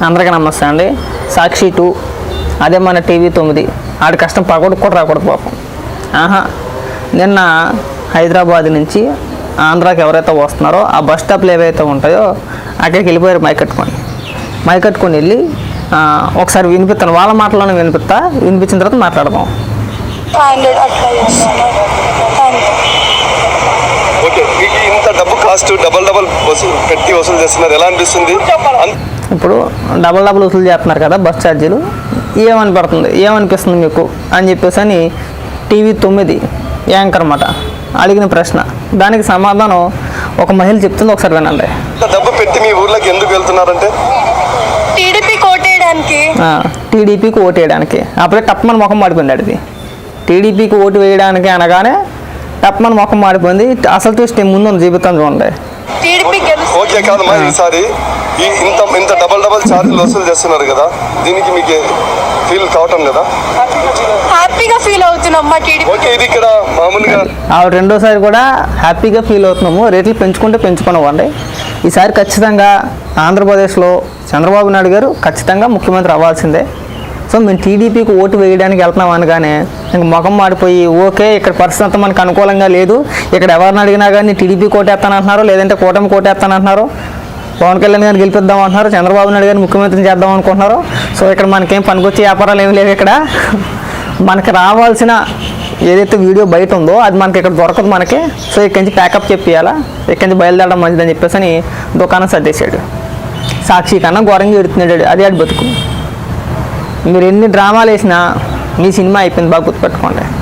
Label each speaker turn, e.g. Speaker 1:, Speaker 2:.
Speaker 1: అందరికీ నమస్తే అండి. సాక్షి 2 అదే మన టీవీ 9 ఆడి కష్టం పగొడు కూడా రాకూడదు పాపం. నిన్న హైదరాబాద్ నుంచి ఆంధ్రాకి ఎవరైతే వస్తున్నారో ఆ బస్ స్టాప్లు ఏవైతే ఉంటాయో అక్కడికి వెళ్ళిపోయారు మైక్ కట్టుకొని వెళ్ళి ఒకసారి వినిపిస్తాను, వాళ్ళ మాటలోనే వినిపించిన తర్వాత మాట్లాడదాం.
Speaker 2: ఇంత డబ్బు కాస్ట్ డబల్ పెట్టి వసూలు చేస్తున్నారు, ఎలా అనిపిస్తుంది?
Speaker 1: ఇప్పుడు డబల్ వసూలు చేస్తున్నారు కదా బస్ ఛార్జీలు, ఏమనిపిస్తుంది మీకు అని చెప్పేసి అని టీవీ 9 యాంకర్ మాట అడిగిన ప్రశ్న, దానికి సమాధానం ఒక మహిళ చెప్తుంది, ఒకసారి వినండి.
Speaker 2: డబ్బు పెట్టి మీ ఊర్లోకి ఎందుకు వెళ్తున్నారంటే
Speaker 1: టీడీపీకి ఓటు వేయడానికి. అప్పుడే టప్మని ముఖం మాడిపోయింది. అడిది టీడీపీకి ఓటు వేయడానికి అనగానే టప్మని ముఖం మాడిపోయింది. అసలు ట్విస్ట్ ముందు జీవితం చూడండి.
Speaker 2: ఓకే కాదమ్మా, ఈసారి ఇంత డబల్ ఛార్జీలు వసూలు చేస్తున్నారు కదా, దీనికి మీకు ఫీల్ కావటం లేదా?
Speaker 3: హ్యాపీగా ఫీల్ అవుతున్నామ్మా.
Speaker 2: ఓకే, ఇది ఇక్కడ మామూలుగా
Speaker 1: రెండోసారి కూడా హ్యాపీగా ఫీల్ అవుతున్నాము. రేట్లు పెంచుకున్నామండి. ఈసారి ఖచ్చితంగా ఆంధ్రప్రదేశ్లో చంద్రబాబు నాయుడు గారు ఖచ్చితంగా ముఖ్యమంత్రి అవ్వాల్సిందే. సో మేము టీడీపీకి ఓటు వేయడానికి వెళ్తున్నాం అనగానే ఇంక ముఖం మాడిపోయి, ఓకే ఇక్కడ పరిస్థితి అంతా మనకు అనుకూలంగా లేదు, ఇక్కడ ఎవరిని అడిగినా కానీ టీడీపీ కోటేస్తానంటున్నారు, లేదంటే కూటమి కోటేస్తానంటున్నారు, పవన్ కళ్యాణ్ గారిని గెలిపిద్దాం అంటున్నారు, చంద్రబాబు నాయుడు గారిని ముఖ్యమంత్రిని చేద్దాం అనుకుంటున్నారు. సో ఇక్కడ మనకేం పనికొచ్చే వ్యాపారాలు ఏమి లేవు. ఇక్కడ మనకి రావాల్సిన ఏదైతే వీడియో బయట ఉందో అది మనకి ఇక్కడ దొరకదు మనకి. సో ఇక్కడి నుంచి ప్యాకప్ చెప్పియాలా, ఇక్కడి నుంచి బయలుదేరడం మంచిదని చెప్పేసి అని దుకాణం సర్దేశాడు. సాక్షి కన్నా ఘోరంగా ఎడుతున్నాడు. అది ఆడి బతుకు. మీరు ఎన్ని డ్రామాలు వేసినా మీ సినిమా అయిపోయింది, బాగా గుర్తుపెట్టుకోండి.